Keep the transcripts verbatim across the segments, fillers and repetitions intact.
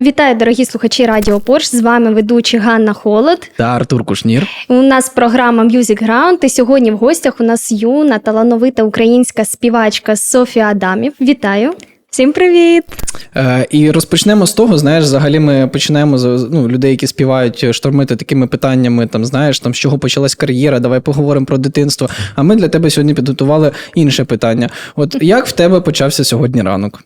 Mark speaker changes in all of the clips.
Speaker 1: Вітаю, дорогі слухачі Радіо Порш. З вами ведучі Ганна Холод
Speaker 2: та Артур Кушнір.
Speaker 1: У нас програма Music Ground. І сьогодні в гостях у нас юна, талановита українська співачка Софія Адамів. Вітаю! Всім привіт!
Speaker 2: Е, і розпочнемо з того, знаєш, взагалі ми починаємо з ну, людей, які співають, штормити такими питаннями, там, знаєш, там, з чого почалась кар'єра, давай поговоримо про дитинство. А ми для тебе сьогодні підготували інше питання. От як в тебе почався сьогодні ранок?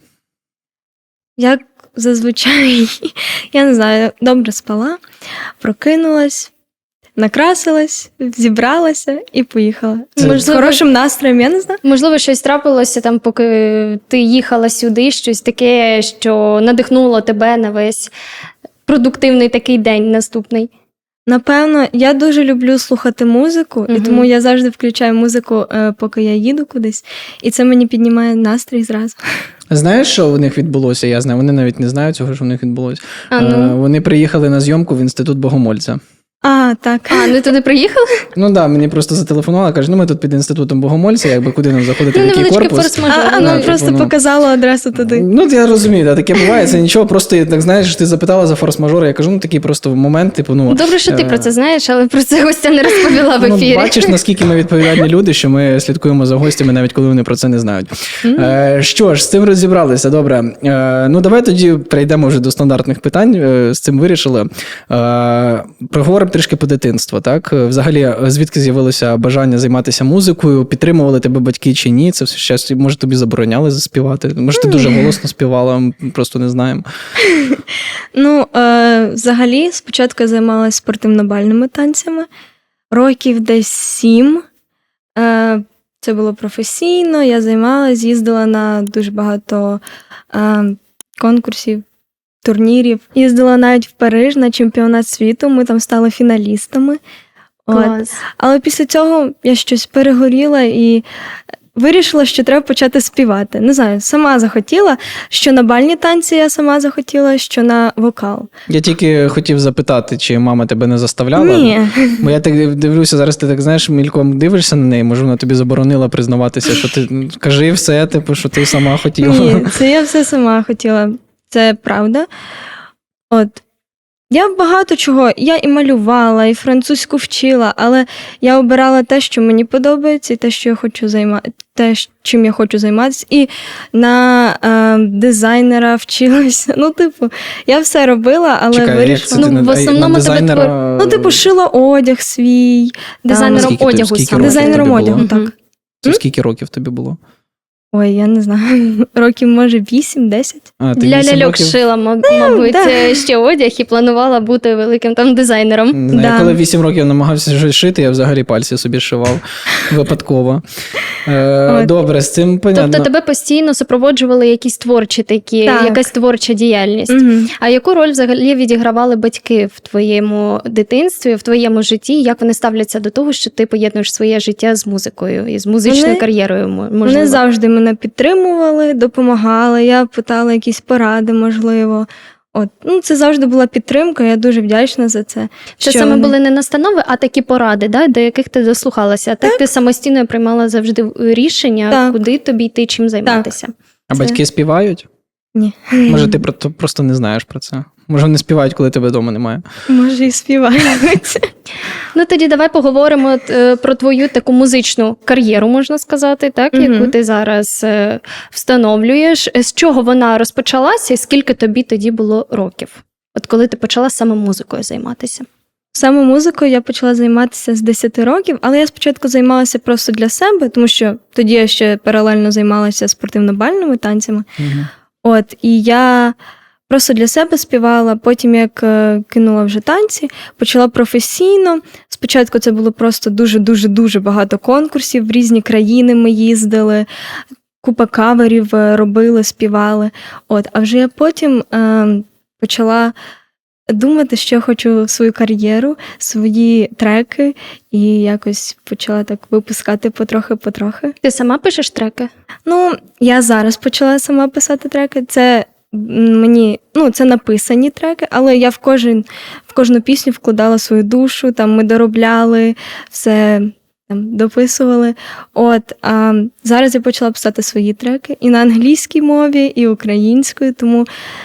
Speaker 3: Як зазвичай, я не знаю, добре спала, прокинулась, накрасилась, зібралася і поїхала.
Speaker 2: Це...
Speaker 3: Можливо, з хорошим настроєм, я не знаю.
Speaker 1: Можливо, щось трапилося там, поки ти їхала сюди, щось таке, що надихнуло тебе на весь продуктивний такий день наступний.
Speaker 3: Напевно, я дуже люблю слухати музику, угу. і тому я завжди включаю музику, поки я їду кудись, і це мені піднімає настрій зразу.
Speaker 2: Знаєш, що у них відбулося? Я знаю, вони навіть не знають цього, що у них відбулося.
Speaker 1: А, ну.
Speaker 2: Вони приїхали на зйомку в Інститут Богомольця.
Speaker 3: А, так.
Speaker 1: А, ну туди приїхали?
Speaker 2: Ну так, да, мені просто зателефонували, каже, ну ми тут під Інститутом Богомольця, якби куди нам заходити,
Speaker 1: ну,
Speaker 2: в який корпус.
Speaker 1: форс-мажор.
Speaker 3: А,
Speaker 1: ну,
Speaker 3: ну, просто
Speaker 2: типу,
Speaker 3: показала адресу туди.
Speaker 2: Ну, я розумію, да, таке буває, це нічого, просто, так знаєш, ти запитала за форс-мажор, я кажу, ну, такий просто момент, типу, ну...
Speaker 1: Добре, що ти про це знаєш, але про це гостя не розповіла в ефірі.
Speaker 2: Ну, бачиш, наскільки ми відповідальні люди, що ми слідкуємо за гостями, навіть коли вони про це не знають. Mm. Е, що ж, з цим розібралися, добре. Е, ну, давай тоді перейдемо вже до стандартних питань, е, з цим вирішили. Е, проговоримо трішки по дитинству. Так? Взагалі, звідки з'явилося бажання займатися музикою? Підтримували тебе батьки чи ні? Це все щас, може, тобі забороняли заспівати? Може, ти дуже голосно співала, просто не знаємо.
Speaker 3: Ну, е, взагалі, спочатку я займалася спортивно-бальними танцями. Років десь сім. Е, це було професійно, я займалася, їздила на дуже багато е, конкурсів, турнірів. Їздила навіть в Париж на чемпіонат світу, ми там стали фіналістами.
Speaker 1: Клас.
Speaker 3: От. Але після цього я щось перегоріла і вирішила, що треба почати співати. Не знаю, сама захотіла, що на бальні танці я сама захотіла, що на вокал.
Speaker 2: Я тільки хотів запитати, чи мама тебе не заставляла?
Speaker 3: Ні.
Speaker 2: Бо я так дивлюся, зараз ти так, знаєш, мільком дивишся на неї, може вона тобі заборонила признаватися, що ти, кажи все, типу, що ти сама хотіла.
Speaker 3: Ні, це я все сама хотіла. Це правда. От. Я багато чого, я і малювала, і французьку вчила, але я обирала те, що мені подобається, і те, що я хочу займати, те, чим я хочу займатися. І на е, дизайнера вчилася. Ну, типу, я все робила, але
Speaker 2: Чекай,
Speaker 3: вирішила.
Speaker 1: Ну, в основному
Speaker 2: дизайнера...
Speaker 1: тебе...
Speaker 3: Ну, типу, шила одяг свій.
Speaker 1: Дизайнером
Speaker 2: скільки
Speaker 1: одягу
Speaker 2: ти,
Speaker 1: саме.
Speaker 3: Дизайнером одягу, так.
Speaker 1: Угу.
Speaker 2: Це скільки років тобі було?
Speaker 3: Ой, я не знаю, років, може, вісім-десять.
Speaker 1: Для ляльок
Speaker 2: років...
Speaker 1: шила, мабуть,
Speaker 3: да.
Speaker 1: ще одяг і планувала бути великим там дизайнером.
Speaker 2: Ну,
Speaker 3: да.
Speaker 2: Я коли вісім років намагався щось шити, я взагалі пальці собі шивав випадково. Е, добре, з цим понятно.
Speaker 1: Тобто тебе постійно супроводжували якісь творчі такі,
Speaker 3: так.
Speaker 1: якась творча діяльність.
Speaker 3: Угу.
Speaker 1: А яку роль взагалі відігравали батьки в твоєму дитинстві, в твоєму житті? Як вони ставляться до того, що ти поєднуєш своє життя з музикою і з музичною
Speaker 3: вони,
Speaker 1: кар'єрою? Можливо?
Speaker 3: Вони завжди мене підтримували, допомагали, я питала якісь поради, можливо. От. Ну, це завжди була підтримка, я дуже вдячна за це.
Speaker 1: Це
Speaker 3: що
Speaker 1: саме
Speaker 3: вони...
Speaker 1: були не настанови, а такі поради, да, до яких ти дослухалася. Так, так ти самостійно приймала завжди рішення, так. куди тобі йти, чим займатися.
Speaker 3: Так.
Speaker 2: А
Speaker 3: це...
Speaker 2: батьки співають?
Speaker 3: Ні.
Speaker 2: Може, ти просто не знаєш про це? Може, вони співають, коли тебе вдома немає?
Speaker 3: Може, і співають.
Speaker 1: Ну, тоді давай поговоримо про твою таку музичну кар'єру, можна сказати, так,
Speaker 3: угу.
Speaker 1: яку ти зараз встановлюєш. З чого вона розпочалася і скільки тобі тоді було років? От коли ти почала саме музикою займатися?
Speaker 3: Саме музикою я почала займатися з десяти років, але я спочатку займалася просто для себе, тому що тоді я ще паралельно займалася спортивно-бальними танцями.
Speaker 2: Угу.
Speaker 3: От, і я просто для себе співала, потім як кинула вже танці, почала професійно. Спочатку це було просто дуже-дуже-дуже багато конкурсів, в різні країни ми їздили, купа каверів робили, співали. От, а вже я потім е, почала думати, що я хочу свою кар'єру, свої треки, і якось почала так випускати потрохи-потрохи.
Speaker 1: Ти сама пишеш треки?
Speaker 3: Ну, я зараз почала сама писати треки. Це мені, ну, це написані треки, але я в кожен, в кожну пісню вкладала свою душу, там ми доробляли, все там дописували. От, а зараз я почала писати свої треки і на англійській мові, і українською, тому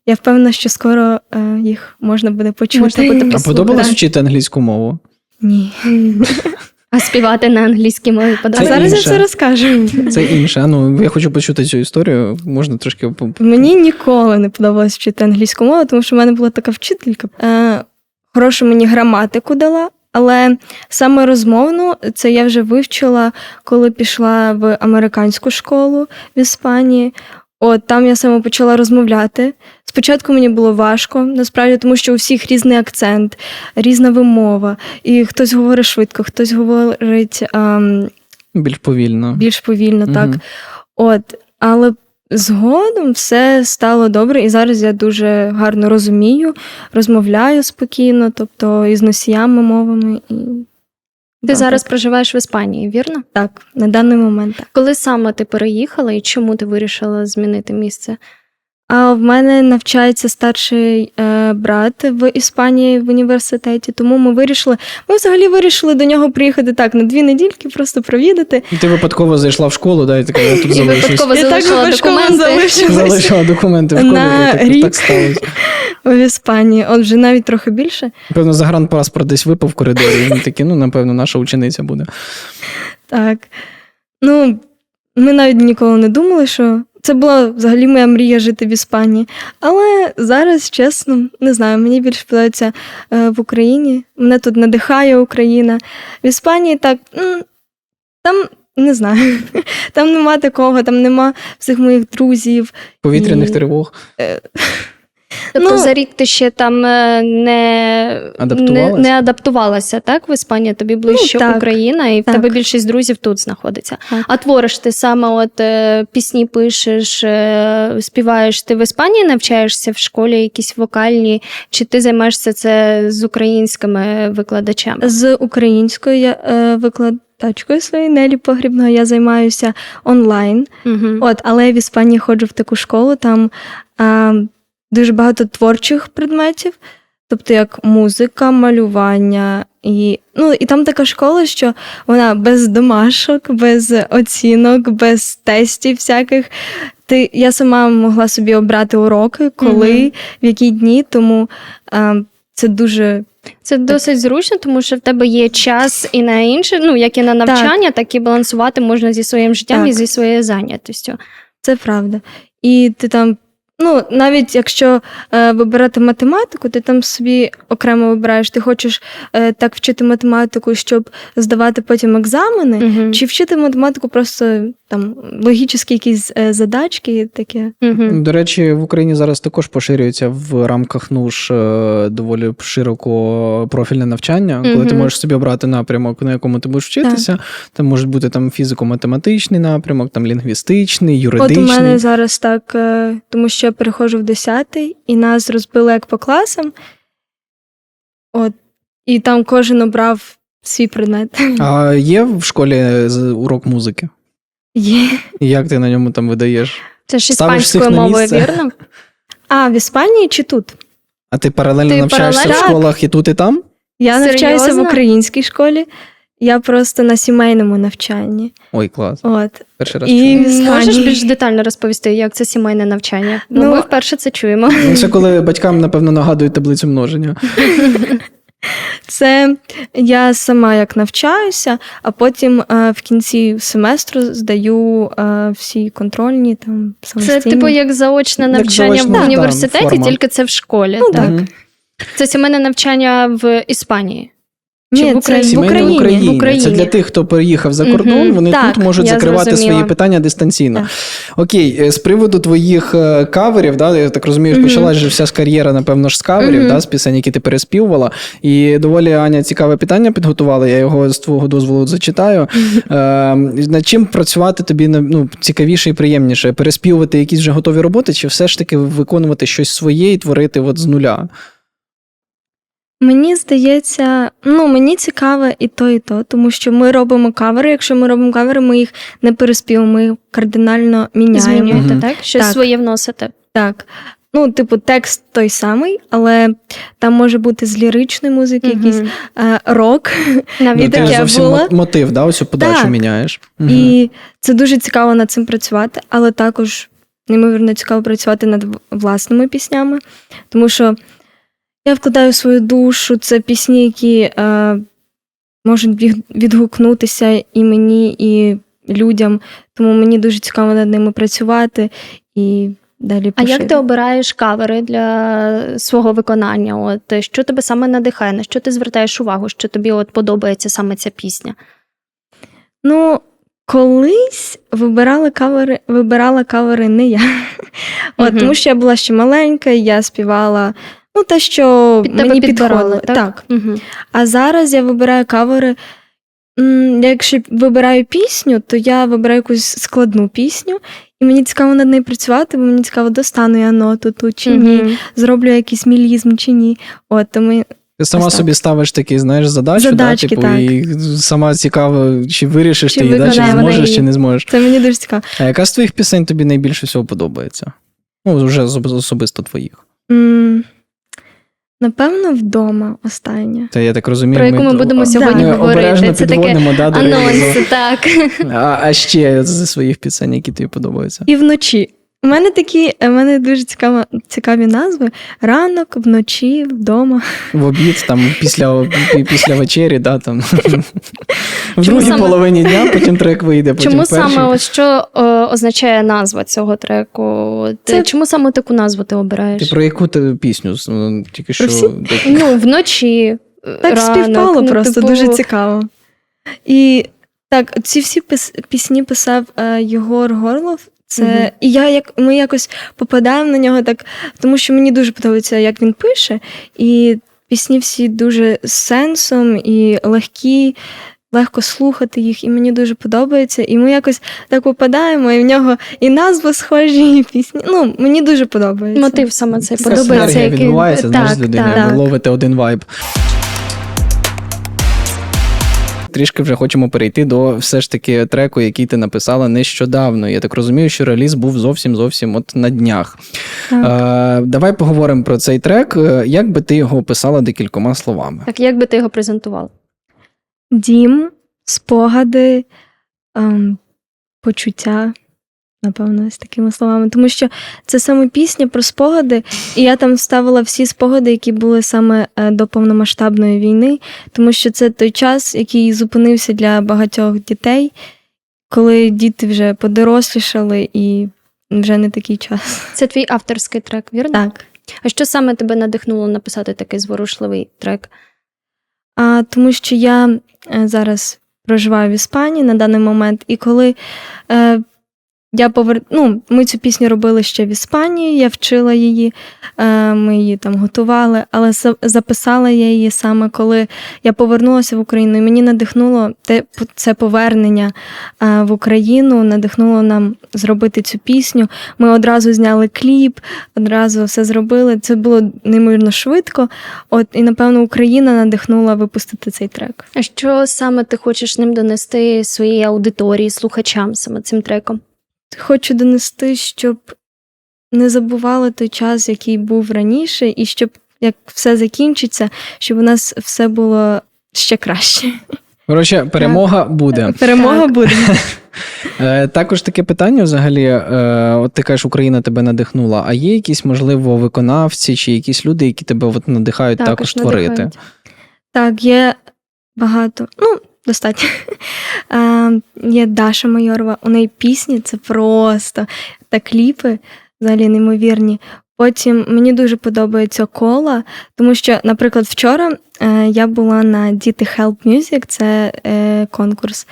Speaker 3: Я впевнена, що скоро е, їх можна буде почути.
Speaker 1: Можна буде
Speaker 2: А
Speaker 1: послухати.
Speaker 2: подобалось вчити англійську мову?
Speaker 3: Ні.
Speaker 1: А співати на англійській мові
Speaker 3: А
Speaker 1: подобається?
Speaker 3: зараз я
Speaker 2: інше.
Speaker 3: все розкажу.
Speaker 2: Це інше. А ну, я хочу почути цю історію. Можна трошки... по-
Speaker 3: Мені ніколи не подобалось вчити англійську мову, тому що в мене була така вчителька. Е, хорошу мені граматику дала, але саме розмовну це я вже вивчила, коли пішла в американську школу в Іспанії. От там я саме почала розмовляти. Спочатку мені було важко, насправді, тому що у всіх різний акцент, різна вимова. І хтось говорить швидко, хтось говорить ем,
Speaker 2: Більш повільно.
Speaker 3: більш повільно,
Speaker 2: Мгм.
Speaker 3: так. От, але згодом все стало добре, і зараз я дуже гарно розумію, розмовляю спокійно, тобто із носіями мовами. І...
Speaker 1: Ти
Speaker 3: Да,
Speaker 1: зараз
Speaker 3: так.
Speaker 1: проживаєш в Іспанії, вірно?
Speaker 3: Так, на даний момент так.
Speaker 1: Коли саме ти переїхала і чому ти вирішила змінити місце?
Speaker 3: А в мене навчається старший е, брат в Іспанії в університеті, тому ми вирішили, ми взагалі вирішили до нього приїхати так на дві недільки, просто провідати.
Speaker 2: Ти випадково зайшла в школу, да, і така, я тут
Speaker 1: І
Speaker 2: залишусь.
Speaker 1: випадково
Speaker 3: Я так
Speaker 1: залишила
Speaker 3: випадково
Speaker 1: документи.
Speaker 3: залишилась.
Speaker 2: Залишила документи в школі,
Speaker 3: На
Speaker 2: і так,
Speaker 3: рік.
Speaker 2: так сталося.
Speaker 3: В Іспанії, от вже навіть трохи більше.
Speaker 2: Певно, загранпаспорт десь випав в коридорі, і він такий, ну, напевно, наша учениця буде.
Speaker 3: Так. Ну, ми навіть ніколи не думали, що це була взагалі моя мрія жити в Іспанії. Але зараз, чесно, не знаю, мені більше подобається е, в Україні. Мене тут надихає Україна. В Іспанії так, м, там не знаю, там нема такого, там нема всіх моїх друзів.
Speaker 2: Повітряних
Speaker 3: І-
Speaker 2: тривог.
Speaker 1: Тобто
Speaker 3: Ну,
Speaker 1: за рік ти ще там е, не,
Speaker 2: Адаптувалась?
Speaker 1: не, не адаптувалася, так? В Іспанії тобі ближче
Speaker 3: Ну, так.
Speaker 1: Україна, і в
Speaker 3: Так.
Speaker 1: тебе більшість друзів тут знаходиться.
Speaker 3: Так.
Speaker 1: А твориш ти саме от е, пісні пишеш, е, співаєш, ти в Іспанії навчаєшся в школі якісь вокальні, чи ти займаєшся це з українськими викладачами?
Speaker 3: З українською я е, викладачкою своєю Нелі Погрібною я займаюся онлайн.
Speaker 1: Угу.
Speaker 3: От, але я в Іспанії ходжу в таку школу, там а, дуже багато творчих предметів, тобто як музика, малювання. І, ну, і там така школа, що вона без домашок, без оцінок, без тестів всяких. Ти, я сама могла собі обрати уроки, коли,
Speaker 1: Мгм.
Speaker 3: в які дні, тому а, це дуже
Speaker 1: Це досить зручно, тому що в тебе є час і на інше, ну як і на навчання, так, і балансувати можна зі своїм життям
Speaker 3: Так.
Speaker 1: і зі своєю зайнятістю.
Speaker 3: Це правда. І ти там, ну, навіть якщо е, вибирати математику, ти там собі окремо вибираєш, ти хочеш е, так вчити математику, щоб здавати потім екзамени,
Speaker 1: Угу.
Speaker 3: чи вчити математику просто там логічні якісь е, задачки, таке.
Speaker 1: Угу.
Speaker 2: До речі, в Україні зараз також поширюється в рамках НУШ е, доволі широко профільне навчання, коли ти
Speaker 1: Мгм.
Speaker 2: можеш собі обрати напрямок, на якому ти будеш вчитися. Там можуть бути там фізико-математичний напрямок, там лінгвістичний,
Speaker 3: От
Speaker 2: юридичний.
Speaker 3: у мене зараз так, е, тому що я переходжу в десятий, і нас розбили як по класам. От, і там кожен обрав свій предмет.
Speaker 2: А є в школі з- урок музики?
Speaker 3: Є.
Speaker 2: І як ти на ньому там видаєш?
Speaker 1: Це ж
Speaker 2: Ставиш всіх
Speaker 1: іспанською
Speaker 2: на
Speaker 1: мовою,
Speaker 2: місце?
Speaker 1: вірно?
Speaker 3: А, в Іспанії чи тут?
Speaker 2: А ти паралельно
Speaker 1: Ти
Speaker 2: навчаєшся
Speaker 1: паралельно?
Speaker 2: в школах і тут, і там?
Speaker 3: Я навчаюся в
Speaker 1: Серйозно?
Speaker 3: українській школі, я просто на сімейному навчанні.
Speaker 2: Ой, клас.
Speaker 3: От.
Speaker 2: Перший раз
Speaker 3: І-
Speaker 2: чую.
Speaker 3: в Іспанії.
Speaker 1: Можеш більш детально розповісти, як це сімейне навчання? Бо
Speaker 3: Ну,
Speaker 1: ми вперше це чуємо.
Speaker 2: Ну, це коли батькам, напевно, нагадують таблицю множення.
Speaker 3: Це я сама як навчаюся, а потім е, в кінці семестру здаю е, всі контрольні там
Speaker 1: Це
Speaker 3: самостійно.
Speaker 1: типу як заочне
Speaker 2: Як
Speaker 1: навчання
Speaker 2: заочна,
Speaker 1: в
Speaker 2: да,
Speaker 1: університеті,
Speaker 2: форма.
Speaker 1: тільки це в школі.
Speaker 3: Ну,
Speaker 1: так?
Speaker 3: так.
Speaker 2: Мгм.
Speaker 1: Це сімейне навчання в Іспанії. Чи
Speaker 3: Ні,
Speaker 1: в
Speaker 3: це
Speaker 1: Україні?
Speaker 3: в
Speaker 2: Сімейне
Speaker 3: Україні.
Speaker 2: в Україні.
Speaker 1: В Україні.
Speaker 2: Це для тих, хто переїхав за кордон,
Speaker 1: Мгм.
Speaker 2: вони
Speaker 3: Так,
Speaker 2: тут можуть
Speaker 1: я
Speaker 2: закривати
Speaker 1: зрозуміла.
Speaker 2: свої питання дистанційно.
Speaker 3: Так.
Speaker 2: Окей, е, з приводу твоїх е, каверів, да, я так розумію,
Speaker 3: Мгм.
Speaker 2: почалась же вся з кар'єра, напевно ж, з каверів,
Speaker 1: Мгм.
Speaker 2: да, з пісень, які ти переспівувала. І доволі, Аня, цікаве питання підготувала, я його з твого дозволу зачитаю. Е, над чим працювати тобі ну, цікавіше і приємніше? Переспівувати якісь вже готові роботи, чи все ж таки виконувати щось своє і творити от з нуля?
Speaker 3: Мені здається, ну мені цікаве і то, і то, тому що ми робимо кавери. Якщо ми робимо кавери, ми їх не переспіваємо, ми їх кардинально міняємо.
Speaker 1: Змінюєте,
Speaker 2: Мгм.
Speaker 1: так? Щось
Speaker 3: Так.
Speaker 1: своє вносите.
Speaker 3: Так. Ну, типу, текст той самий, але там може бути з ліричної музики,
Speaker 1: Мгм.
Speaker 3: якийсь е, рок.
Speaker 1: Навіть
Speaker 2: Ну, ти
Speaker 3: таке
Speaker 2: зовсім
Speaker 3: було.
Speaker 2: мо- мотив, да, оцю подачу
Speaker 3: Так.
Speaker 2: міняєш. Мгм.
Speaker 3: І це дуже цікаво над цим працювати, але також неймовірно цікаво працювати над власними піснями, тому що я вкладаю свою душу, це пісні, які е, можуть відгукнутися і мені, і людям, тому мені дуже цікаво над ними працювати і далі
Speaker 1: А
Speaker 3: поширювати.
Speaker 1: як ти обираєш кавери для свого виконання? От що тебе саме надихає? На що ти звертаєш увагу? Що тобі от подобається саме ця пісня?
Speaker 3: Ну, колись вибирала кавери, вибирала кавери не я. От,
Speaker 1: Мгм.
Speaker 3: тому що я була ще маленька, і я співала ну, те, що
Speaker 1: Під тебе
Speaker 3: мені
Speaker 1: підбирали,
Speaker 3: підходило.
Speaker 1: так?
Speaker 3: Так.
Speaker 1: Угу.
Speaker 3: А зараз я вибираю кавери. м, я Якщо вибираю пісню, то я вибираю якусь складну пісню, і мені цікаво над нею працювати, бо мені цікаво, достану я ноту тут чи ні, зроблю якийсь мілізм чи ні. От, тому
Speaker 2: Ти сама
Speaker 3: Ось так.
Speaker 2: собі ставиш такі, знаєш, задачі,
Speaker 3: Задачки,
Speaker 2: да, типу,
Speaker 3: так.
Speaker 2: і сама цікаво, чи вирішиш
Speaker 3: Чи
Speaker 2: ти її, да, чи
Speaker 3: виконає вона
Speaker 2: зможеш,
Speaker 3: її.
Speaker 2: чи не зможеш.
Speaker 3: це мені дуже цікаво.
Speaker 2: А яка з твоїх пісень тобі найбільше всього подобається? Ну, вже особ- особисто твоїх.
Speaker 3: М, Напевно, вдома остання.
Speaker 2: Та я так розумію,
Speaker 1: Про яку ми
Speaker 2: то-
Speaker 1: будемо
Speaker 2: а,
Speaker 1: сьогодні
Speaker 2: ми
Speaker 1: говорити.
Speaker 2: обережно
Speaker 1: Це таке
Speaker 2: підводимо, да, до релізу.
Speaker 1: Анонс, так.
Speaker 2: А, а ще зі своїх пісень, які тобі подобаються?
Speaker 3: І вночі. У мене такі, у мене дуже цікаво, цікаві назви. Ранок, вночі, вдома.
Speaker 2: В обід, там, після, пі- після вечері, да, там. В
Speaker 1: Чому
Speaker 2: другій
Speaker 1: саме-
Speaker 2: половині дня, потім трек вийде, потім
Speaker 1: Чому
Speaker 2: перший.
Speaker 1: саме ось що е, означає назва цього треку? От,
Speaker 3: Це-
Speaker 1: Чому саме таку назву ти обираєш?
Speaker 2: Ти про яку ти пісню? Ну, тільки що.
Speaker 3: всі?
Speaker 2: так,
Speaker 1: Ну, вночі.
Speaker 3: Так
Speaker 1: ранок,
Speaker 3: співпало
Speaker 1: ну,
Speaker 3: просто,
Speaker 1: типу,
Speaker 3: дуже цікаво. І так, ці всі пис- пісні писав е, Єгор Горлов. Це,
Speaker 1: Мгм.
Speaker 3: І я як ми якось попадаємо на нього так, тому що мені дуже подобається, як він пише. І пісні всі дуже з сенсом і легкі, легко слухати їх, і мені дуже подобається. І ми якось так попадаємо, і в нього і назви схожі, і пісні. Ну, мені дуже подобається.
Speaker 1: Мотив саме цей
Speaker 2: Така
Speaker 1: подобається.
Speaker 2: синергія
Speaker 1: який-
Speaker 2: відбувається, знаєш, з
Speaker 1: так,
Speaker 2: людиною,
Speaker 1: так.
Speaker 2: ви ловите один вайб. Трішки вже хочемо перейти до все ж таки треку, який ти написала нещодавно. Я так розумію, що реліз був зовсім-зовсім от на днях.
Speaker 3: Так.
Speaker 2: Е, давай поговоримо про цей трек. Е, Як би ти його описала декількома словами?
Speaker 1: Так, як би ти його презентувала?
Speaker 3: Дім, спогади, ем, почуття, напевно, з такими словами. Тому що це саме пісня про спогади, і я там вставила всі спогади, які були саме е, до повномасштабної війни, тому що це той час, який зупинився для багатьох дітей, коли діти вже подорослішали і вже не такий час.
Speaker 1: Це твій авторський трек, вірно?
Speaker 3: Так.
Speaker 1: А що саме тебе надихнуло написати такий зворушливий трек?
Speaker 3: А, тому що я е, зараз проживаю в Іспанії на даний момент, і коли е, я повер... ну, ми цю пісню робили ще в Іспанії, я вчила її, е, ми її там готували, але за- записала я її саме коли я повернулася в Україну, і мені надихнуло те, це повернення е, в Україну, надихнуло нам зробити цю пісню. Ми одразу зняли кліп, одразу все зробили. Це було неймовірно швидко. От, і, напевно, Україна надихнула випустити цей трек.
Speaker 1: А що саме ти хочеш ним донести своїй аудиторії, слухачам саме цим треком?
Speaker 3: Хочу донести, щоб не забували той час, який був раніше, і щоб як все закінчиться, щоб у нас все було ще краще.
Speaker 2: Коротше, перемога буде.
Speaker 3: Перемога
Speaker 1: Так.
Speaker 3: буде.
Speaker 2: Е, Також таке питання взагалі, е, от ти кажеш, Україна тебе надихнула, а є якісь, можливо, виконавці чи якісь люди, які тебе от надихають також,
Speaker 1: Також
Speaker 2: творити?
Speaker 1: надихають.
Speaker 3: Так, є багато. Ну, достатньо. Е, Є Даша Майорова, у неї пісні, це просто та кліпи взагалі неймовірні. Потім мені дуже подобається Кола, тому що, наприклад, вчора е, я була на Діти Help Music, це е, конкурс,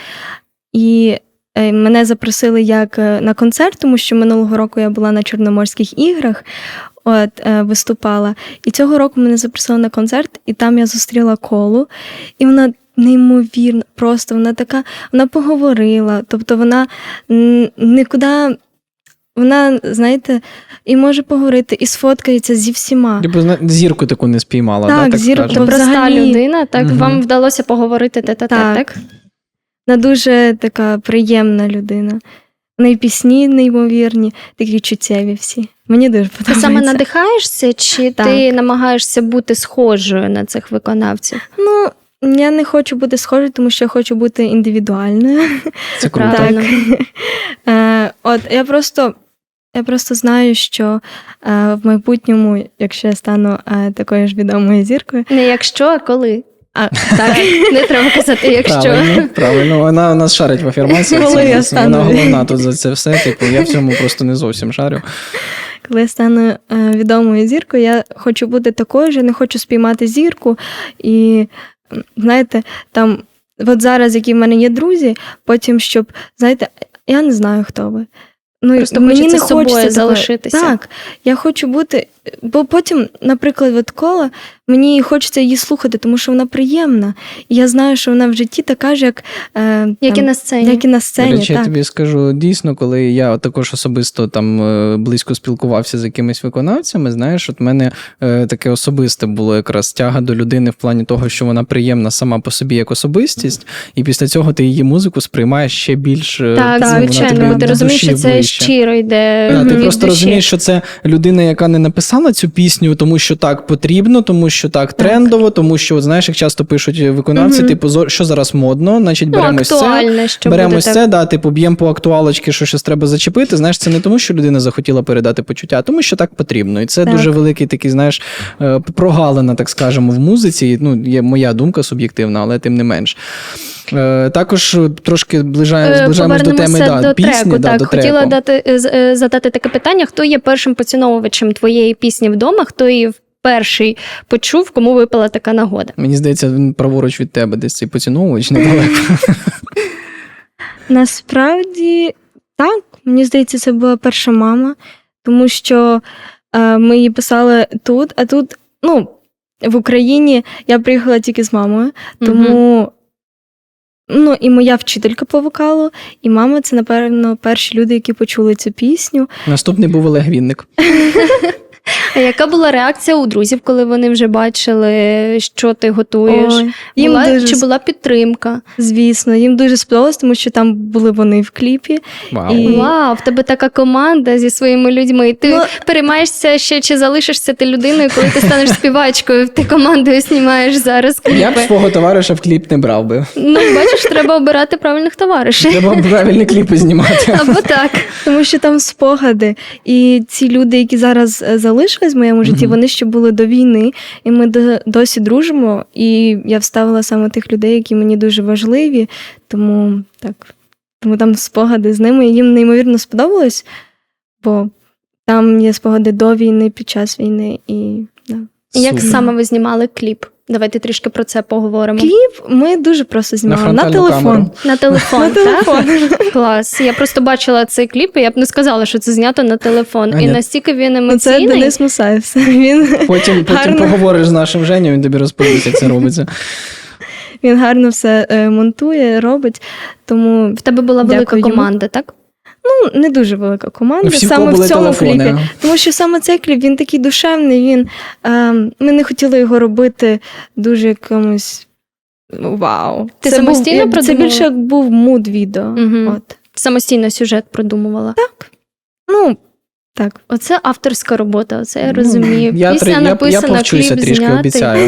Speaker 3: і е, мене запросили як е, на концерт, тому що минулого року я була на Чорноморських іграх, от, е, виступала. І цього року мене запросили на концерт, і там я зустріла Колу, і вона неймовірно, просто вона така, вона поговорила, тобто вона м, нікуди, вона, знаєте, і може поговорити, і сфоткається зі всіма.
Speaker 2: Типу, зна- зірку таку не спіймала,
Speaker 3: Так,
Speaker 2: да, так
Speaker 3: зірку
Speaker 2: скажемо?
Speaker 1: Проста
Speaker 3: взагалі-
Speaker 1: людина, так
Speaker 2: Мгм.
Speaker 1: вам вдалося поговорити тет-а-тет, так?
Speaker 3: Так. Вона дуже така приємна людина. В неї пісні неймовірні, такі чуттєві всі. Мені дуже
Speaker 1: Ти
Speaker 3: подобається.
Speaker 1: саме надихаєшся, чи
Speaker 3: Так.
Speaker 1: ти намагаєшся бути схожою на цих виконавців?
Speaker 3: Ну, я не хочу бути схожою, тому що я хочу бути індивідуальною.
Speaker 2: Це круто.
Speaker 1: правильно.
Speaker 3: Е, От, я просто Я просто знаю, що е, в майбутньому, якщо я стану е, такою ж відомою зіркою,
Speaker 1: Не якщо, а коли.
Speaker 3: а так,
Speaker 1: Не треба казати, якщо.
Speaker 2: Правильно, правильно. Вона у нас шарить в афірмаціях.
Speaker 3: Коли
Speaker 2: це-
Speaker 3: я
Speaker 2: Вона
Speaker 3: стану.
Speaker 2: головна тут за це все. Типу, я в цьому просто не зовсім шарю.
Speaker 3: коли я стану е, відомою зіркою, я хочу бути такою ж, я не хочу спіймати зірку. І, м, знаєте, там, от зараз, які в мене є друзі, потім, щоб, знаєте, я не знаю, хто ви. Ну,
Speaker 1: Просто
Speaker 3: мені
Speaker 1: хочеться
Speaker 3: не
Speaker 1: з собою
Speaker 3: хочеться такої-
Speaker 1: залишитися.
Speaker 3: Так, я хочу бути, бо потім, наприклад, от Кола, мені хочеться її слухати, тому що вона приємна. І я знаю, що вона в житті така ж, як, е,
Speaker 1: Як і
Speaker 3: там,
Speaker 1: на сцені.
Speaker 3: як і на
Speaker 2: До
Speaker 3: сцені.
Speaker 2: речі, я
Speaker 3: так.
Speaker 2: тобі скажу дійсно, коли я також особисто там е, близько спілкувався з якимись виконавцями, знаєш, от в мене е, таке особисте було якраз тяга до людини в плані того, що вона приємна сама по собі як особистість, і після цього ти її музику сприймаєш ще більш е,
Speaker 1: Так,
Speaker 2: ну, вона
Speaker 1: звичайно,
Speaker 2: тобі
Speaker 1: бо ти
Speaker 2: до
Speaker 1: розумієш,
Speaker 2: душі
Speaker 1: що це
Speaker 2: ближче.
Speaker 1: щиро йде.
Speaker 2: Да, ти
Speaker 1: від
Speaker 2: просто
Speaker 1: душі.
Speaker 2: розумієш, що це людина, яка не написала цю пісню, тому що так потрібно, тому що так трендово, тому що, от, знаєш, як часто пишуть виконавці,
Speaker 3: Мгм.
Speaker 2: типу, зо- що зараз модно, значить
Speaker 1: Ну,
Speaker 2: беремо ось це.
Speaker 1: актуальне, що
Speaker 2: Беремо
Speaker 1: буде
Speaker 2: ось
Speaker 1: так.
Speaker 2: це, да, типу, б'ємо по актуалочки, що щось треба зачепити. Знаєш, це не тому, що людина захотіла передати почуття, а тому, що так потрібно. І це
Speaker 3: Так.
Speaker 2: дуже великий такий, знаєш, е, прогалина, так скажемо, в музиці. Ну, є моя думка суб'єктивна, але тим не менш. Е, Також трошки ближає,
Speaker 1: Е,
Speaker 2: зближаємось до теми
Speaker 1: Повернемося
Speaker 2: да,
Speaker 1: до
Speaker 2: пісні.
Speaker 1: треку.
Speaker 2: Да,
Speaker 1: Так,
Speaker 2: до
Speaker 1: хотіла
Speaker 2: треку.
Speaker 1: дати, е, з- е, задати таке питання: хто є першим поціновувачем твоєї пісні вдома, хто її перший почув, кому випала така нагода?
Speaker 2: Мені здається, він праворуч від тебе десь цей поціновувач недалеко.
Speaker 3: Насправді, так, мені здається, це була перша мама, тому що е, ми її писали тут, а тут, ну, в Україні я приїхала тільки з мамою, тому ну, і моя вчителька по вокалу, і мама це, напевно, перші люди, які почули цю пісню.
Speaker 2: Наступний був Олег Вінник.
Speaker 1: А яка була реакція у друзів, коли вони вже бачили, що ти готуєш?
Speaker 3: Ой, їм
Speaker 1: Була,
Speaker 3: дуже
Speaker 1: Чи була підтримка?
Speaker 3: Звісно, їм дуже сподобалось, тому що там були вони в кліпі.
Speaker 2: Вау.
Speaker 3: І-
Speaker 1: Вау, в тебе така команда зі своїми людьми. Ти
Speaker 3: Ну-
Speaker 1: переймаєшся ще, чи залишишся ти людиною, коли ти станеш співачкою, ти командою знімаєш зараз
Speaker 2: Я б
Speaker 1: кліпи.
Speaker 2: свого товариша в кліп не брав би.
Speaker 1: Ну, бачиш, треба обирати правильних товаришів.
Speaker 2: Треба правильні кліпи знімати.
Speaker 1: Або так.
Speaker 3: Тому що там спогади. І ці люди, які зараз е, залишились в моєму житті,
Speaker 2: Мгм.
Speaker 3: вони ще були до війни, і ми до- досі дружимо. І я вставила саме тих людей, які мені дуже важливі. Тому так, тому там спогади з ними. І їм неймовірно сподобалось, бо там є спогади до війни, під час війни. І да.
Speaker 1: І Як
Speaker 2: Супер.
Speaker 1: саме ви знімали кліп? Давайте трішки про це поговоримо.
Speaker 3: Кліп ми дуже просто знімали на,
Speaker 2: фронтальну
Speaker 3: телефон.
Speaker 2: камеру.
Speaker 1: На телефон,
Speaker 3: На телефон.
Speaker 1: так? Клас. Я просто бачила цей кліп, і я б не сказала, що це знято на телефон.
Speaker 2: А,
Speaker 1: і
Speaker 2: ні.
Speaker 1: настільки він
Speaker 3: Ну, це
Speaker 1: емоційний.
Speaker 3: Денис Мусаєв. Він,
Speaker 2: Потім, потім
Speaker 3: Гарно.
Speaker 2: поговориш з нашим Женю, він тобі розповість, як це робиться.
Speaker 3: він гарно все е, монтує, робить. Тому
Speaker 1: В тебе була велика
Speaker 3: Дякую йому.
Speaker 1: команда, так?
Speaker 3: ну, не дуже велика команда
Speaker 2: Ну, всі, в кого
Speaker 3: саме
Speaker 2: були
Speaker 3: в цьому
Speaker 2: телефони.
Speaker 3: кліпі. Тому що саме цей кліп він такий душевний. Він, е, ми не хотіли його робити дуже якомусь. Вау.
Speaker 1: Ти
Speaker 3: це
Speaker 1: самостійно
Speaker 3: був, Це
Speaker 1: продумала?
Speaker 3: більше як був муд відео.
Speaker 1: Мгм.
Speaker 3: От.
Speaker 1: Самостійно сюжет продумувала.
Speaker 3: Ну, так.
Speaker 1: Оце авторська робота, оце я
Speaker 2: Ну,
Speaker 1: розумію.
Speaker 2: Я,
Speaker 1: Пісня
Speaker 2: три- я, я
Speaker 1: написана,
Speaker 2: повчуся
Speaker 1: кліп
Speaker 2: трішки,
Speaker 1: знятий.
Speaker 2: обіцяю.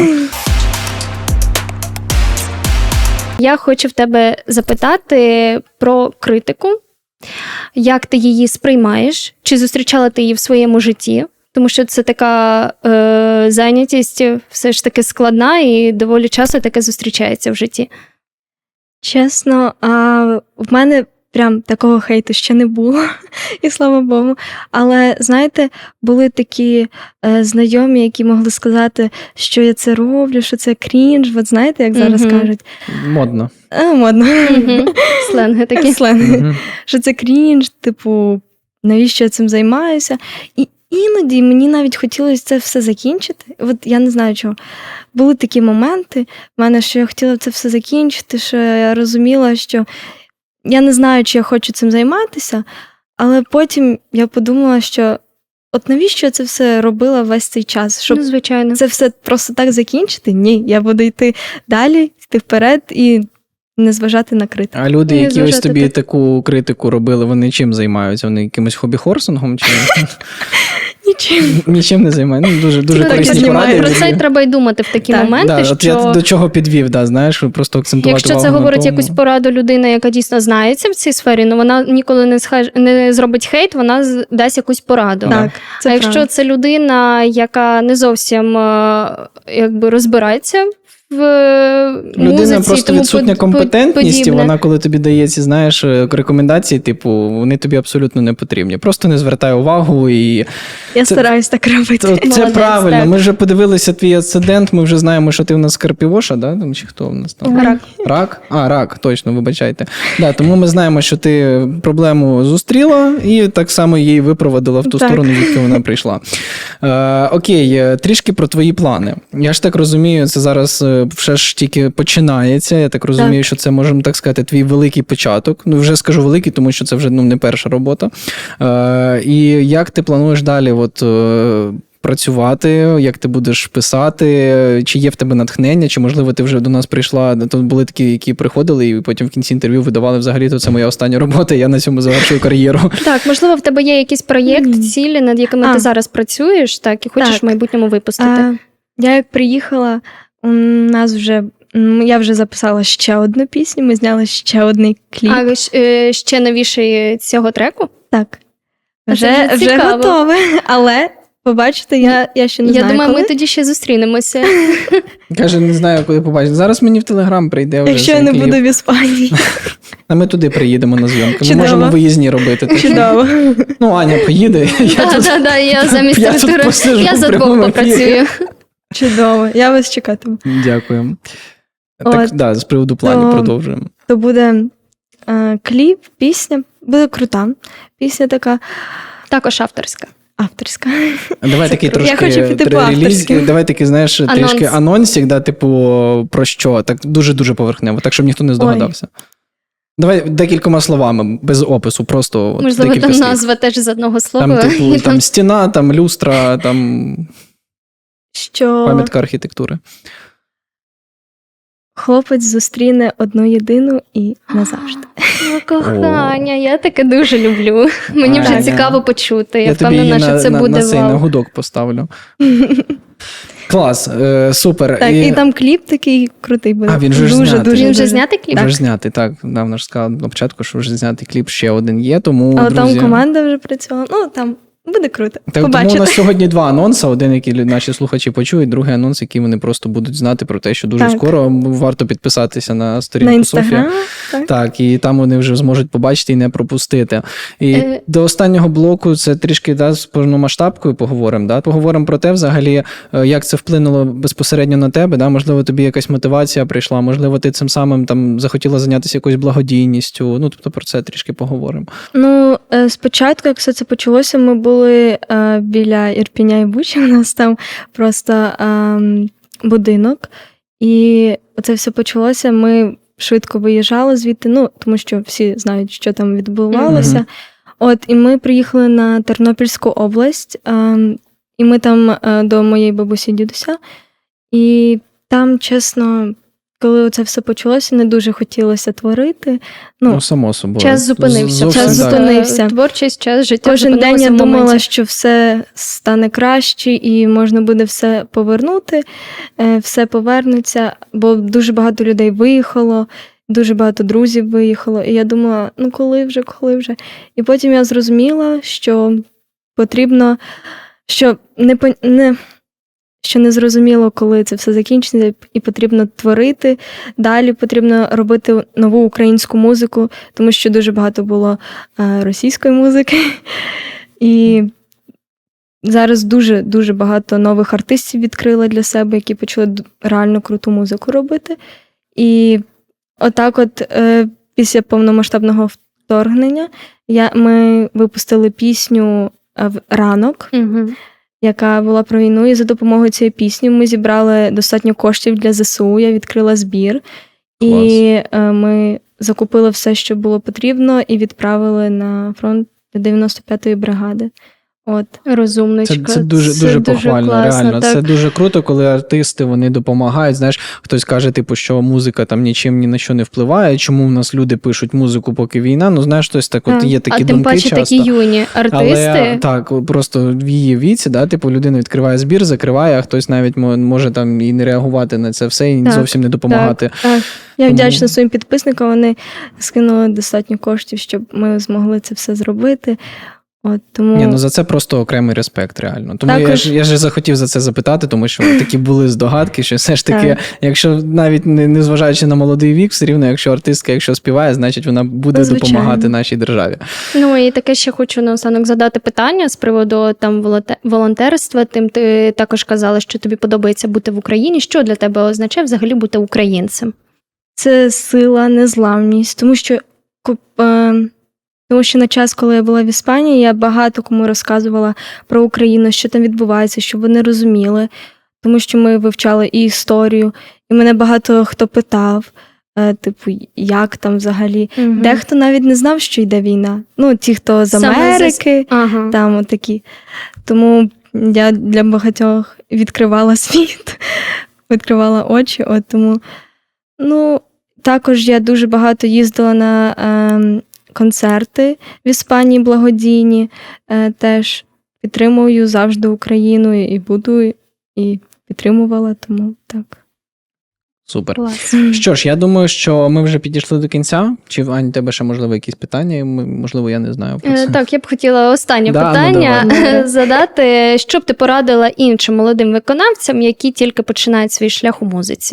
Speaker 1: Я хочу в тебе запитати про критику. Як ти її сприймаєш? Чи зустрічала ти її в своєму житті? Тому що це така е, зайнятість все ж таки складна і доволі часто таке зустрічається в житті.
Speaker 3: Чесно, а в мене прям такого хейту ще не було, і слава Богу. Але знаєте, були такі е, знайомі, які могли сказати, що я це роблю, що це крінж. От знаєте, як зараз
Speaker 1: Мгм.
Speaker 3: кажуть,
Speaker 2: Модно.
Speaker 3: е, модно.
Speaker 1: Мгм. Сленги такі.
Speaker 3: Сленги.
Speaker 2: Мгм.
Speaker 3: Що це крінж, типу, навіщо я цим займаюся? І іноді мені навіть хотілося це все закінчити. От я не знаю чого. Були такі моменти в мене, що я хотіла це все закінчити, що я розуміла, що я не знаю, чи я хочу цим займатися, але потім я подумала, що от навіщо я це все робила весь цей час? Щоб
Speaker 1: Ну, звичайно.
Speaker 3: це все просто так закінчити? Ні, я буду йти далі, йти вперед і не зважати на критику.
Speaker 2: А люди,
Speaker 1: Не
Speaker 2: які ось
Speaker 1: зважати
Speaker 2: тобі
Speaker 1: так.
Speaker 2: таку критику робили, вони чим займаються? Вони якимось хобі-хорсингом? Чи...
Speaker 3: Нічим.
Speaker 2: Нічим не займає. Ну, дуже, дуже
Speaker 3: Так,
Speaker 2: корисні
Speaker 3: піднімаю.
Speaker 2: поради.
Speaker 1: Про це й треба й думати в такі
Speaker 3: Так.
Speaker 1: моменти,
Speaker 2: Да,
Speaker 1: що...
Speaker 2: от я до чого підвів, да, знаєш, просто акцентувати
Speaker 1: Якщо
Speaker 2: увагу
Speaker 1: це
Speaker 2: на
Speaker 1: говорить
Speaker 2: тому.
Speaker 1: якусь пораду людина, яка дійсно знається в цій сфері, ну вона ніколи не схаж... не зробить хейт, вона з- дасть якусь пораду.
Speaker 3: Так, це
Speaker 1: а якщо
Speaker 3: правда.
Speaker 1: це людина, яка не зовсім е, якби розбирається в е,
Speaker 2: Людина
Speaker 1: музиці,
Speaker 2: просто
Speaker 1: тому
Speaker 2: відсутня
Speaker 1: под-
Speaker 2: компетентність, і
Speaker 1: подібне.
Speaker 2: вона, коли тобі дає ці, знаєш, рекомендації, типу, вони тобі абсолютно не потрібні. Просто не звертай увагу і
Speaker 3: Я
Speaker 2: це-
Speaker 3: стараюсь так робити.
Speaker 2: Це, це
Speaker 1: Молодець,
Speaker 2: правильно.
Speaker 1: так.
Speaker 2: Ми вже подивилися твій асцендент, ми вже знаємо, що ти в нас Карпівоша, да? Там, чи хто в нас там?
Speaker 1: Рак.
Speaker 2: Рак? А, рак, точно, вибачайте. Да, тому ми знаємо, що ти проблему зустріла і так само її випроводила в ту
Speaker 3: Так.
Speaker 2: сторону, звідки вона прийшла. Е, окей, е, трішки про твої плани. Я ж так розумію, це зараз е, все ж тільки починається. Я так розумію,
Speaker 3: Так.
Speaker 2: що це, можемо так сказати, твій великий початок. Ну, вже скажу великий, тому що це вже ну, не перша робота. Е, і як ти плануєш далі от, е, працювати, як ти будеш писати, чи є в тебе натхнення, чи, можливо, ти вже до нас прийшла, то були такі, які приходили, і потім в кінці інтерв'ю видавали взагалі, то це моя остання робота, я на цьому завершую кар'єру.
Speaker 1: Так, можливо, в тебе є якийсь проєкт,
Speaker 3: Мгм.
Speaker 1: цілі, над якими
Speaker 3: А.
Speaker 1: ти зараз працюєш, так, і хочеш
Speaker 3: Так.
Speaker 1: в майбутньому випустити.
Speaker 3: А, я як приїхала, у нас вже м, я вже записала ще одну пісню, ми зняли ще один кліп.
Speaker 1: А щ- е, ще новіший цього треку?
Speaker 3: Так.
Speaker 1: А це
Speaker 3: Вже,
Speaker 1: вже
Speaker 3: вже
Speaker 1: цікаво.
Speaker 3: готове, але побачите, я, я ще не
Speaker 1: Я
Speaker 3: знаю,
Speaker 1: думаю,
Speaker 3: коли.
Speaker 1: ми тоді ще зустрінемося.
Speaker 2: Каже, не знаю, коли побачити. Зараз мені в Телеграм прийде вже
Speaker 3: Якщо
Speaker 2: цей
Speaker 3: я не
Speaker 2: кліп.
Speaker 3: буду в Іспанії.
Speaker 2: А ми туди приїдемо на зйомки. Ми
Speaker 3: Чудово.
Speaker 2: можемо виїзні робити. так що-
Speaker 3: Чудово.
Speaker 2: Ну, Аня поїде. Я
Speaker 1: Так,
Speaker 2: тут
Speaker 1: так, так, я замість
Speaker 2: я тут
Speaker 1: Артура.
Speaker 2: посиджу
Speaker 1: Я
Speaker 2: в
Speaker 1: за двох
Speaker 2: прямому ефірі.
Speaker 1: попрацюю.
Speaker 3: Чудово. Я вас чекатиму.
Speaker 2: Дякую. Так,
Speaker 3: От.
Speaker 2: да, з приводу планів
Speaker 3: То-
Speaker 2: продовжуємо.
Speaker 3: То буде е, кліп, пісня. Буде крута. Пісня така
Speaker 1: Також авторська.
Speaker 3: авторська.
Speaker 2: Давай
Speaker 3: Це
Speaker 2: такий
Speaker 3: круто.
Speaker 2: трошки
Speaker 3: Я хочу піти по
Speaker 2: реліз,
Speaker 3: авторським.
Speaker 2: давай такий, знаєш,
Speaker 1: Анонс.
Speaker 2: трішки анонсик, да, типу, про що? Так дуже-дуже поверхнево, так, щоб ніхто не здогадався. Давай декількома словами, без опису, просто от
Speaker 1: Можливо,
Speaker 2: декілька
Speaker 1: там
Speaker 2: слів.
Speaker 1: назва теж з одного слова.
Speaker 2: Там, типу,
Speaker 1: І
Speaker 2: там стіна, там люстра, там
Speaker 3: Що
Speaker 2: пам'ятка архітектури.
Speaker 3: хлопець зустріне одну єдину і назавжди.
Speaker 1: О, кохання, я таке дуже люблю. Мені вже
Speaker 2: Аня.
Speaker 1: цікаво почути. Я,
Speaker 2: Я тобі
Speaker 1: впевнена,
Speaker 2: її
Speaker 1: що
Speaker 2: на,
Speaker 1: це
Speaker 2: на,
Speaker 1: буде
Speaker 2: на, цей, на
Speaker 1: вау.
Speaker 2: гудок поставлю. Клас, е, супер.
Speaker 3: Так, і там кліп такий крутий буде.
Speaker 2: А, він же ж
Speaker 3: дуже,
Speaker 2: знятий.
Speaker 3: дуже,
Speaker 1: Він вже
Speaker 3: дуже.
Speaker 1: знятий кліп?
Speaker 2: Вже знятий, так. Да, вона ж сказала на початку, що вже знятий кліп ще один є, тому,
Speaker 3: Але
Speaker 2: друзі...
Speaker 3: там команда вже працювала. Ну, там буде круто.
Speaker 2: Так, тому у
Speaker 3: Побачите.
Speaker 2: нас сьогодні два анонси. Один, який наші слухачі почують, другий анонс, який вони просто будуть знати про те, що дуже
Speaker 3: Так.
Speaker 2: скоро варто підписатися на сторінку
Speaker 3: На
Speaker 2: Софії.
Speaker 3: інстаграм. Так.
Speaker 2: Так, і там вони вже зможуть побачити і не пропустити. І
Speaker 1: Е.
Speaker 2: до останнього блоку це трішки да, з повномасштабкою поговоримо. Да? Поговоримо про те, взагалі, е, як це вплинуло безпосередньо на тебе. Да? Можливо, тобі якась мотивація прийшла, можливо, ти цим самим там захотіла зайнятися якоюсь благодійністю. Ну, тобто про це трішки поговоримо.
Speaker 3: Ну, е, спочатку, як все це почалося, ми були е, біля Ірпіня і Бучі. У нас там просто е, будинок. І це все почалося. Ми швидко виїжджали звідти, ну, тому що всі знають, що там відбувалося.
Speaker 2: Мгм.
Speaker 3: От, і ми приїхали на Тернопільську область, е, і ми там е, до моєї бабусі і дідуся. І там, чесно, коли це все почалося, не дуже хотілося творити.
Speaker 2: Ну,
Speaker 3: Ну,
Speaker 2: само собою.
Speaker 1: Час зупинився.
Speaker 2: Зовсім
Speaker 3: Час
Speaker 2: так.
Speaker 3: зупинився.
Speaker 1: Творчість, час життя
Speaker 3: Кожен день
Speaker 1: зупинилося
Speaker 3: я
Speaker 1: в
Speaker 3: думала,
Speaker 1: моменті.
Speaker 3: що все стане краще і можна буде все повернути, е, все повернеться, бо дуже багато людей виїхало, дуже багато друзів виїхало. І я думала, ну коли вже, коли вже. І потім я зрозуміла, що потрібно, що не, пон- не, що не зрозуміло, коли це все закінчиться, і потрібно творити. Далі потрібно робити нову українську музику, тому що дуже багато було е, російської музики. І зараз дуже-дуже багато нових артистів відкрила для себе, які почали д- реально круту музику робити. І отак от е, після повномасштабного вторгнення я, ми випустили пісню е, в «Ранок»,
Speaker 1: Мгм.
Speaker 3: яка була про війну, і за допомогою цієї пісні ми зібрали достатньо коштів для ЗСУ, я відкрила збір. І е, ми закупили все, що було потрібно, і відправили на фронт до дев'яносто п'ятої бригади. От.
Speaker 1: Розумничка.
Speaker 2: Це, це дуже,
Speaker 1: Це
Speaker 2: дуже
Speaker 1: дуже
Speaker 2: похвально,
Speaker 1: класно,
Speaker 2: реально.
Speaker 1: так.
Speaker 2: Це дуже круто, коли артисти вони допомагають. Знаєш, хтось каже, типу, що музика там нічим ні на що не впливає. Чому в нас люди пишуть музику, поки війна? Ну, знаєш, хтось так, от є такі
Speaker 1: а
Speaker 2: думки
Speaker 1: тим паче
Speaker 2: часто.
Speaker 1: такі юні артисти.
Speaker 2: Але так, просто в її віці, да, типу, людина відкриває збір, закриває, а хтось навіть мо- може там і не реагувати на це все, і
Speaker 1: Так,
Speaker 2: зовсім не допомагати.
Speaker 3: Так. Я
Speaker 2: Тому-
Speaker 3: вдячна своїм підписникам, вони скинули достатньо коштів, щоб ми змогли це все зробити. От, тому...
Speaker 2: Ні, ну за це просто окремий респект, реально. Тому я
Speaker 3: Також-
Speaker 2: ж я ж захотів за це запитати, тому що такі були здогадки, що все ж таки,
Speaker 3: Так.
Speaker 2: якщо навіть не, не зважаючи на молодий вік, все рівно, якщо артистка, якщо співає, значить вона буде
Speaker 3: Ну, звичайно.
Speaker 2: допомагати нашій державі.
Speaker 1: Ну і таке ще хочу наостанок задати питання з приводу там волонте- волонтерства. Тим ти також казала, що тобі подобається бути в Україні. Що для тебе означає взагалі бути українцем?
Speaker 3: Це сила, незламність, тому що, ку- е, тому що на час, коли я була в Іспанії, я багато кому розказувала про Україну, що там відбувається, щоб вони розуміли, тому що ми вивчали і історію, і мене багато хто питав, е, типу, як там взагалі.
Speaker 1: Мгм.
Speaker 3: Дехто навіть не знав, що йде війна. Ну, ті, хто з
Speaker 1: Саме
Speaker 3: Америки,
Speaker 1: Ага.
Speaker 3: там отакі. Тому я для багатьох відкривала світ, відкривала очі. От тому, ну, також я дуже багато їздила на е, концерти в Іспанії благодійні. Е, теж підтримую завжди Україну і буду, і підтримувала, тому так.
Speaker 2: Супер.
Speaker 1: Клас.
Speaker 2: Що ж, я думаю, що ми вже підійшли до кінця. Чи, Ань, тебе ще, можливо, якісь питання? Ми- Можливо, я не знаю про це.
Speaker 1: Е, Так, я б хотіла останнє
Speaker 2: Да, ну,
Speaker 1: питання
Speaker 3: давай.
Speaker 1: задати. Що б ти порадила іншим молодим виконавцям, які тільки починають свій шлях у музиці?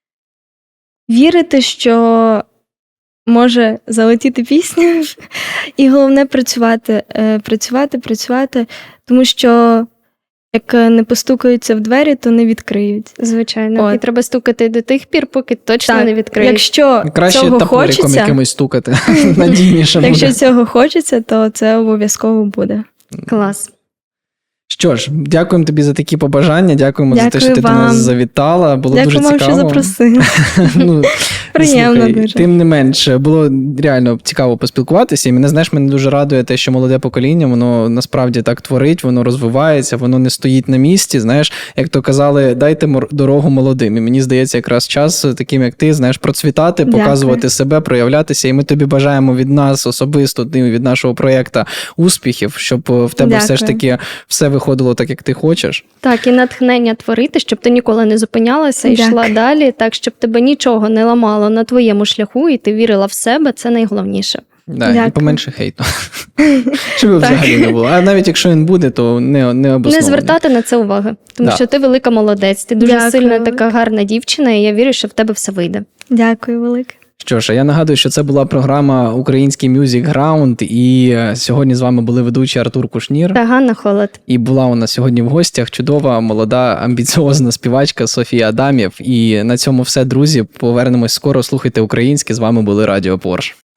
Speaker 3: Вірити, що може залетіти пісня, і головне працювати, е, працювати, працювати, тому що як не постукаються в двері, то не відкриють.
Speaker 1: Звичайно,
Speaker 3: От.
Speaker 1: і треба стукати до тих пір, поки точно
Speaker 3: Так,
Speaker 1: не відкриють.
Speaker 3: Якщо
Speaker 2: Краще
Speaker 3: цього
Speaker 2: топориком
Speaker 3: хочеться,
Speaker 2: якимось стукати. Надійніше
Speaker 3: якщо
Speaker 2: буде.
Speaker 3: цього хочеться, то це обов'язково буде.
Speaker 1: Клас.
Speaker 2: Що ж, дякуємо тобі за такі побажання, дякуємо за те,
Speaker 3: Дякую
Speaker 2: що ти до нас
Speaker 3: вам.
Speaker 2: завітала. Було
Speaker 3: Дякую
Speaker 2: дуже
Speaker 3: вам, що
Speaker 2: цікаво.
Speaker 3: запросили.
Speaker 2: Ну,
Speaker 3: Приємно
Speaker 2: слухай,
Speaker 3: дуже.
Speaker 2: Тим не менше, було реально цікаво поспілкуватися. І мене, знаєш, мене дуже радує те, що молоде покоління, воно насправді так творить, воно розвивається, воно не стоїть на місці. Знаєш, як то казали, дайте мор- дорогу молодим. І мені здається, якраз час таким, як ти, знаєш, процвітати,
Speaker 3: Дякую.
Speaker 2: показувати себе, проявлятися. І ми тобі бажаємо від нас особисто, від нашого проєкту успіхів, щоб в тебе все ж
Speaker 3: Дякую.
Speaker 2: таки все виходило так, як ти хочеш.
Speaker 1: Так, і натхнення творити, щоб ти ніколи не зупинялася і йшла
Speaker 3: Дякую.
Speaker 1: далі, так, щоб тебе нічого не ламало на твоєму шляху, і ти вірила в себе, це найголовніше.
Speaker 2: Да, і
Speaker 3: Дякую.
Speaker 2: поменше хейту. Щоб його
Speaker 3: Так.
Speaker 2: взагалі не було. А навіть якщо він буде, то не, не
Speaker 1: Не
Speaker 2: обоснований.
Speaker 1: звертати на це уваги, тому
Speaker 2: Да.
Speaker 1: що ти велика молодець, ти дуже
Speaker 3: Дякую
Speaker 1: сильна
Speaker 3: велике.
Speaker 1: така гарна дівчина, і я вірю, що в тебе все вийде.
Speaker 3: Дякую велике.
Speaker 2: Що ж, а я нагадую, що це була програма «Український Music Ground», і е, сьогодні з вами були ведучі Артур Кушнір.
Speaker 1: Та Ганна Холод.
Speaker 2: І була у нас сьогодні в гостях чудова, молода, амбіціозна співачка Софія Адамєв. І на цьому все, друзі. Повернемось скоро. Слухайте українське. З вами були Радіо Порш.